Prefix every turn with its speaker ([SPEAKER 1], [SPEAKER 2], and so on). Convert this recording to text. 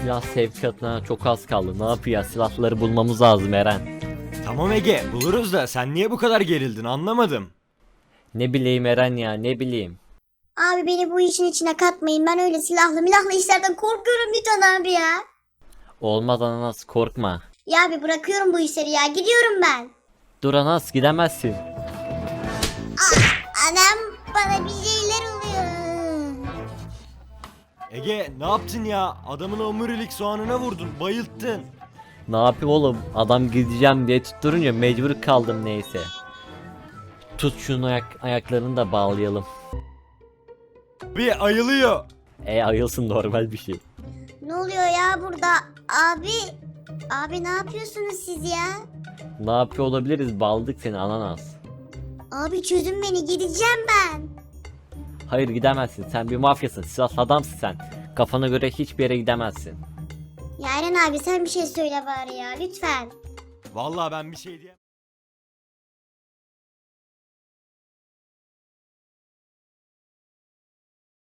[SPEAKER 1] Silah sevkiyatına çok az kaldı. Ne yapıyor? Silahları bulmamız lazım Eren.
[SPEAKER 2] Tamam Ege, buluruz da sen niye bu kadar gerildin anlamadım.
[SPEAKER 1] Ne bileyim Eren ya, ne bileyim.
[SPEAKER 3] Abi beni bu işin içine katmayın. Ben öyle silahlı milahlı işlerden korkuyorum lütfen abi ya.
[SPEAKER 1] Olmaz Ananas, korkma.
[SPEAKER 3] Ya abi bırakıyorum bu işleri ya. Gidiyorum ben.
[SPEAKER 1] Dur Ananas, gidemezsin.
[SPEAKER 3] Anam bana bir şeyler oluyor.
[SPEAKER 2] Ege ne yaptın ya? Adamın omurilik soğanına vurdun, bayılttın.
[SPEAKER 1] Ne yapayım oğlum? Adam gideceğim diye tutturunca mecbur kaldım neyse. Tut şunu ayaklarını da bağlayalım.
[SPEAKER 2] Bir ayılıyor.
[SPEAKER 1] Ayılsın, normal bir şey.
[SPEAKER 3] Ne oluyor ya burada? Abi ne yapıyorsunuz siz ya?
[SPEAKER 1] Ne yapıyor olabiliriz? Bağladık seni Ananas.
[SPEAKER 3] Abi çözün beni, gideceğim ben.
[SPEAKER 1] Hayır, gidemezsin. Sen bir mafyasın. Silahlı adamsın sen. Kafana göre hiçbir yere gidemezsin.
[SPEAKER 3] Ya Eren abi sen bir şey söyle bari ya lütfen.
[SPEAKER 2] Vallahi ben bir şey diyemem.